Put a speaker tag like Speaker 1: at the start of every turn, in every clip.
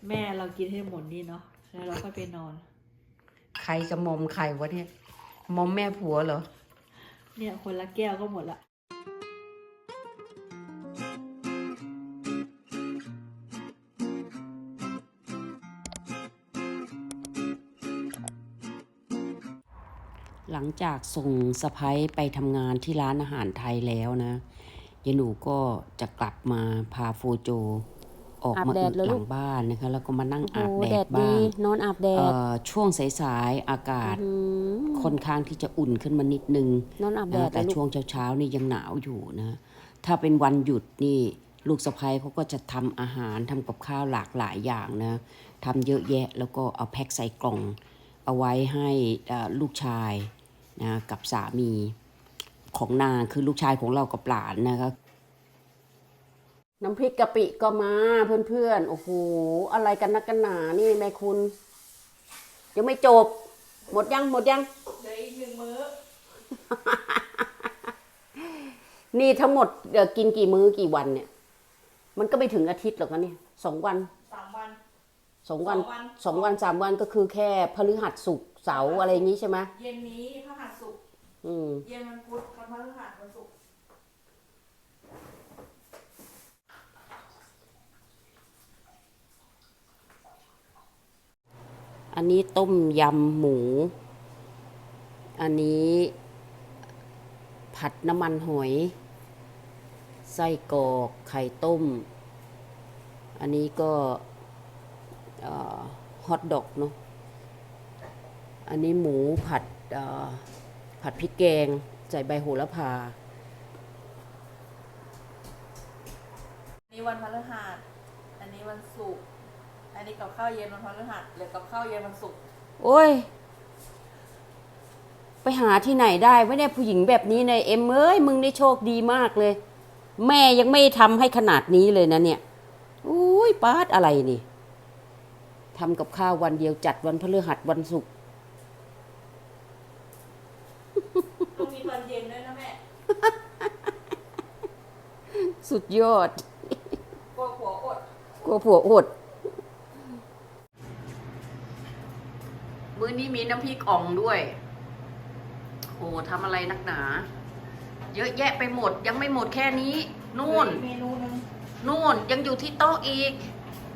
Speaker 1: แม่เรากินให้หมดนี่เนาะแล้วเราก็ไปนอน
Speaker 2: ใครจะมอมใครวะเนี่ยมอมแม่ผัวเหรอ
Speaker 1: เนี่ยคนละแก้วก็หมดละ
Speaker 2: หลังจากส่งสะพ้ายไปทำงานที่ร้านอาหารไทยแล้วนะยายหนูก็จะกลับมาพาโฟโจออกมาอึหลังบ้านนะคะแล้วก็มานั่งอาบแดดบ้าง
Speaker 3: นอนอาบแดด
Speaker 2: ช่วงสายๆอากาศค่อนข้างที่จะอุ่นขึ้นมานิดนึง
Speaker 3: นอนอาบแดด
Speaker 2: แต่ช่วงเช้าๆนี่ยังหนาวอยู่นะถ้าเป็นวันหยุดนี่ลูกสะพ้ายเขาก็จะทำอาหารทำกับข้าวหลากหลายอย่างนะทำเยอะแยะแล้วก็เอาแพ็คใส่กล่องเอาไว้ให้ลูกชายนะกับสามีของนางคือลูกชายของเรากับหลานนะคะน้ำพริกกะปิก็มาเพื่อนๆโอ้โหอะไรกันนักกันหนานี่แม่คุณยังไม่จบหมดยังเหลือ
Speaker 1: อีก1 มื้อ
Speaker 2: นี่ทั้งหมดกินกี่มื้อกี่วันเนี่ยมันก็ไม่ถึงอาทิตย์หรอกนะเนี่ย2 วัน
Speaker 1: 3 วัน
Speaker 2: 2 วัน2 วัน3 วันก็คือแค่พฤหัสศุกร์เสาร์อะไรอย่างนี้ใช่ไหม
Speaker 1: เย็นนี้พฤหัสศุกร์เย็นวันพุธกับพฤหัสวันศุกร์
Speaker 2: อันนี้ต้มยำหมูอันนี้ผัดน้ำมันหอยไส้กรอกไข่ต้มอันนี้ก็ฮอทดอกเนาะอันนี้หมูผัดพริกแกงใส่ใบโหระพา
Speaker 1: อันนี้วันพฤหัสอันนี้วันศุกร์อันนี้กับข้าวเย็นวันพฤหัสหรือกับข้าวเย็นวันศุกร์
Speaker 2: โอ้ยไปหาที่ไหนได้ไม่ได้ผู้หญิงแบบนี้ในเอ็มเอ้ยมึงได้โชคดีมากเลยแม่ยังไม่ทำให้ขนาดนี้เลยนะเนี่ยอุ้ยปาดอะไรนี่ทำกับข้าววันเดียวจัดวันพฤหัสวันศุกร์
Speaker 1: ต้องมีตอนเย็นด้วยนะแม่
Speaker 2: สุดยอด
Speaker 1: กลัวผัวอด
Speaker 2: มื้อนี้มีน้ำพริกอ่องด้วยโอ้ทำอะไรนักหนาเยอะแยะไปหมดยังไม่หมดแค่นี้นู่น
Speaker 1: เมนูนึง
Speaker 2: นู่นยังอยู่ที่โต๊ะอีก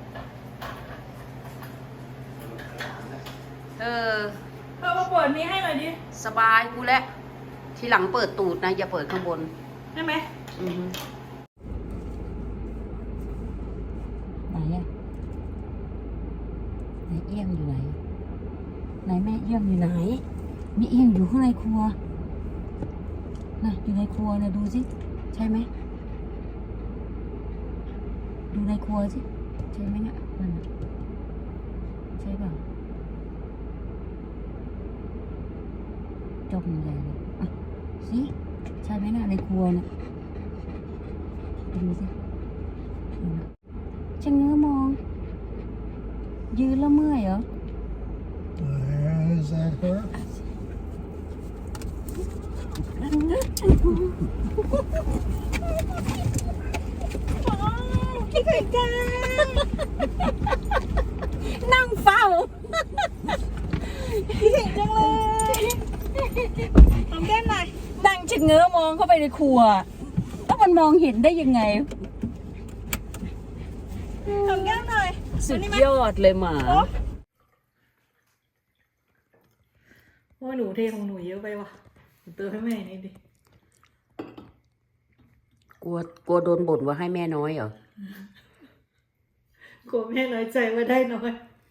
Speaker 1: เธอมาเปิดนี้ให้หน่อยดิ
Speaker 2: สบายกูแล้วทีหลังเปิดตูดนะอย่าเปิดข้างบน
Speaker 1: ใช่ไหม
Speaker 3: ไหนอะไหนเอี้ยงอยู่ไหนไหนแม่เอี้ยงอยู่ไหนแม่เอี้ยงอยู่ข้างในครัวน่ะอยู่ในครัวนะดูสิใช่ไหมดูในครัวสิใช่ไหมเนี่ยนั่นน่ะใช่เปล่าจมใหญ่เลยอ่ะสิใช่ไหมน่ะในครัวน่ะดูสิช่างเงื้อมองยืนแล้วเมื่อยเหรอ
Speaker 4: Is that her?
Speaker 3: พี่ไก่จ้านั่งเฝ้าพี่เก่งจังเลยทำแก้มหน่อยนั่งชะเง้อมองเข้าไปในครัวแล้วมันมองเห็นได้ยังไงทำแก้มหน่อย
Speaker 2: สุดยอดเลยหมา
Speaker 1: โอ้ยหนูเทของหนูเยอะไปว่ะเติมให้แม่นี่ดิ
Speaker 2: กลัวโดนบ่นว่าให้แม่น้อยเหร
Speaker 1: อกลัวแม่น้อยใจว่าได้น้อย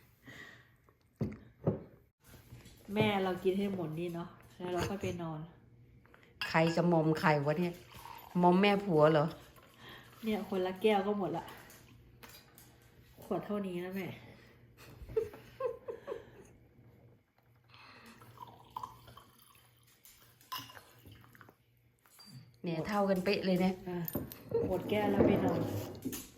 Speaker 1: แม่เรากินให้หมดนี่เนาะแล้วเราก็ไปนอน
Speaker 2: ใครจะมอมใครวะเนี่ยมอมแม่ผัวเหรอ
Speaker 1: เนี่ยคนละแก้วก็หมดละขวดเท่านี้นะแม่
Speaker 2: เนี่ยเท่ากันเป๊ะเลยเนี่ย
Speaker 1: หมดแก้วแล้วไปนอน